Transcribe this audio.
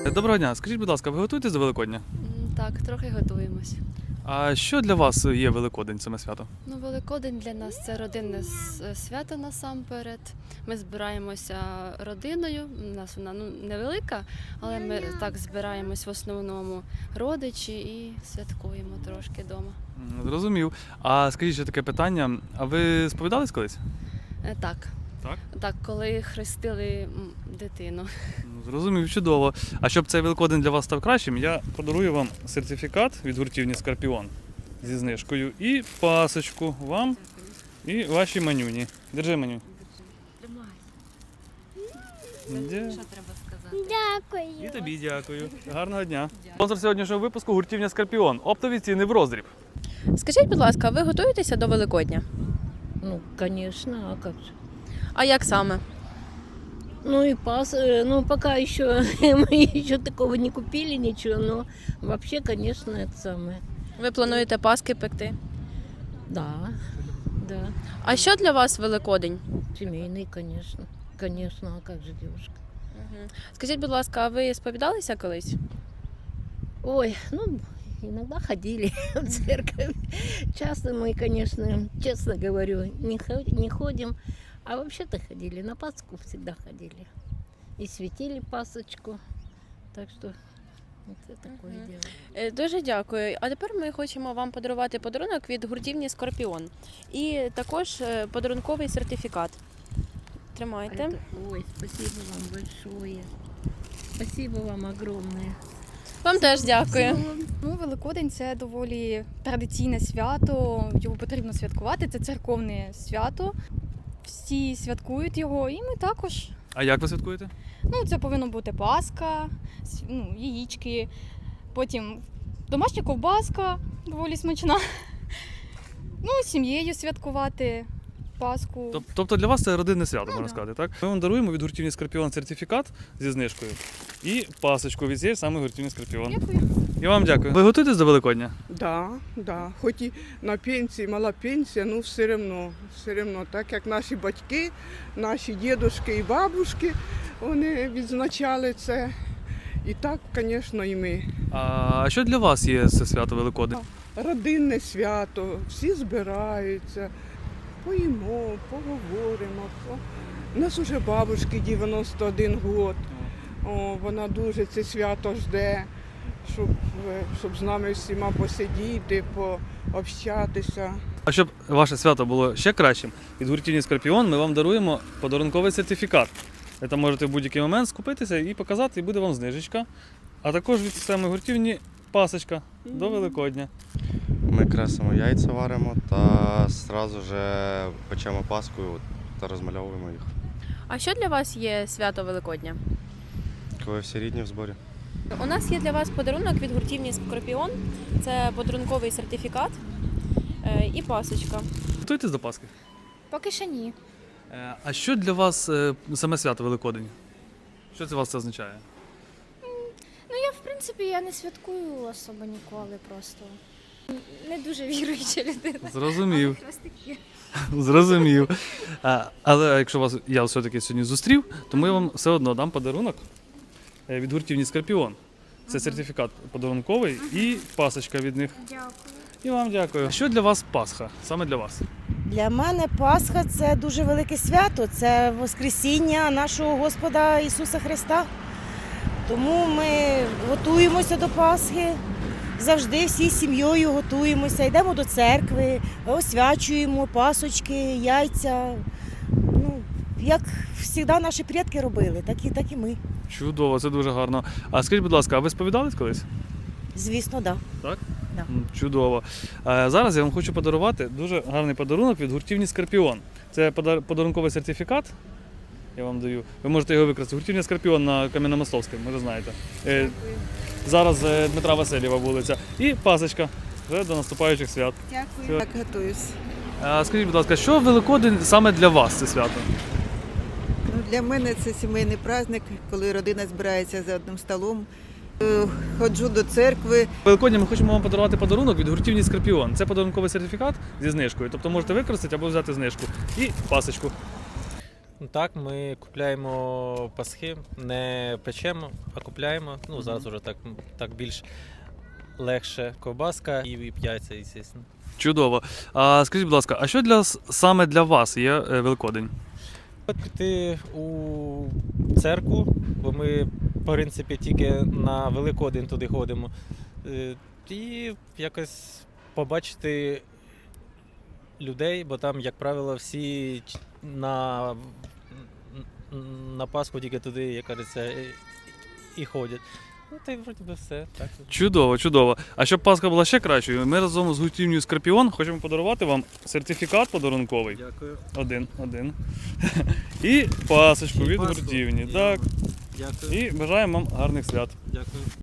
Доброго дня. Скажіть, будь ласка, ви готуєтесь до Великодня? Так, трохи готуємось. А що для вас є Великодень, саме свято? Ну, Великодень для нас це родинне свято насамперед. Ми збираємося родиною. У нас вона невелика, але ми так збираємось в основному родичі і святкуємо трошки вдома. Зрозумів. А скажіть ще таке питання. А ви сповідались колись? Так. Так? Так, коли хрестили дитину. Зрозумів, чудово. А щоб цей Великодень для вас став кращим, я подарую вам сертифікат від гуртівні «Скорпіон» зі знижкою і пасочку вам і вашій манюні. Держи, маню. Що треба сказати? І тобі дякую. Гарного дня. Спонсор сьогоднішнього випуску гуртівня «Скорпіон». Оптові ціни в роздріб. Скажіть, будь ласка, ви готуєтеся до Великодня? Ну, конечно, а как же? А як саме? Ну и пока еще мы еще такого не купили ничего, но вообще, конечно, это самое. Ви плануєте паски пекти? Да, да, А що для вас Великодень? семейный, конечно, конечно, а как же, девушка? Скажіть, будь ласка, а ви сповідалися колись? Ой, ну, иногда ходили в церковь. Часто мы, конечно, честно говорю, не ходим, а вообще-то ходили, на Пасху всегда ходили. И светили пасочку, так что вот это такое дело. Дуже дякую. А тепер ми хочемо вам подарувати подарунок від гуртівні «Скорпіон». І також подарунковий сертифікат. Тримайте. Ой, спасибо вам большое. Спасибо вам огромное. Вам теж дякую. Ну, Великодень це доволі традиційне свято, його потрібно святкувати, це церковне свято. Всі святкують його, і ми також. А як ви святкуєте? Ну, це повинно бути паска, яєчки, потім домашня ковбаска, доволі смачна. Ну, з сім'єю святкувати Пасху. Тобто для вас це родинне свято, можна да. сказати, так? Ми вам даруємо від гуртівні «Скорпіон» сертифікат зі знижкою і пасочку від цієї саме гуртівні «Скорпіон». Дякую. І вам дякую. Ви готуєтесь до Великодня? Да. Хоч і на пенсії, мала пенсія, ну все одно, так як наші батьки, наші дідушки і бабушки, вони відзначали це. І так, звісно, і ми. А що для вас є це свято Великодень? Родинне свято, всі збираються, поїмо, поговоримо. У нас уже бабушки 91 год. Вона дуже це свято жде, щоб з нами всіма посидіти, пообщатися. А щоб ваше свято було ще кращим, від гуртівні «Скорпіон» ми вам даруємо подарунковий сертифікат. Ви там можете в будь-який момент скупитися і показати, і буде вам знижечка. А також від самої гуртівні пасочка до Великодня. Ми красимо яйця варимо та одразу же печемо паску та розмальовуємо їх. А що для вас є свято Великодня? Коли всі рідні в зборі. У нас є для вас подарунок від гуртівні «Скорпіон». Це подарунковий сертифікат і пасочка. Готуєтесь до Пасхи? Поки що ні. А що для вас саме свято Великодень? Що це у вас це означає? Ну, я, в принципі, я не святкую особо ніколи просто. Не дуже віруюча людина. Зрозумів. Але хрестики. Зрозумів. Але якщо я все-таки сьогодні зустрів, тому я вам все одно дам подарунок від гуртівні «Скорпіон». Це сертифікат подарунковий і пасочка від них. Дякую. І вам дякую. Що для вас Пасха? Саме для вас? Для мене Пасха – це дуже велике свято, це Воскресіння нашого Господа Ісуса Христа. Тому ми готуємося до Пасхи, завжди всі з сім'єю готуємося, йдемо до церкви, освячуємо пасочки, яйця. Ну, як завжди наші предки робили, так і ми. Чудово, це дуже гарно. А скажіть, будь ласка, а ви сповідались колись? Звісно, так. Так? Да. Чудово. Зараз я вам хочу подарувати дуже гарний подарунок від гуртівні «Скорпіон». Це подарунковий сертифікат, я вам даю. Ви можете його використати. Гуртівня «Скорпіон» на Кам'яномостовській, може знаєте. Зараз Дмитра Васильєва вулиця. І пасочка вже до наступаючих свят. Дякую. Так готуюсь. Скажіть, будь ласка, що Великодень саме для вас це свято? Ну, для мене це сімейний праздник, коли родина збирається за одним столом. Ходжу до церкви. Великодня ми хочемо вам подарувати подарунок від гуртівні «Скорпіон». Це подарунковий сертифікат зі знижкою, тобто можете використати або взяти знижку. І пасочку. Так, ми купляємо пасхи, не печемо, а купляємо. Ну, зараз вже так більш легше. Ковбаска і яйця, звісно. Чудово. А скажіть, будь ласка, а що саме для вас є Великодень? Піти у церкву, бо ми, в принципі, тільки на Великодень туди ходимо. І якось побачити людей, бо там, як правило, всі на Пасху тільки туди, як кажеться, і ходять. Ну, та й вроді би все. Так. Чудово, чудово. А щоб Пасха була ще кращою, ми разом з гуртівнею Скорпіон хочемо подарувати вам сертифікат подарунковий. Дякую. Один. І пасочку від Пасху. гуртівні. І Так. Дякую. І бажаємо вам гарних свят. Дякую.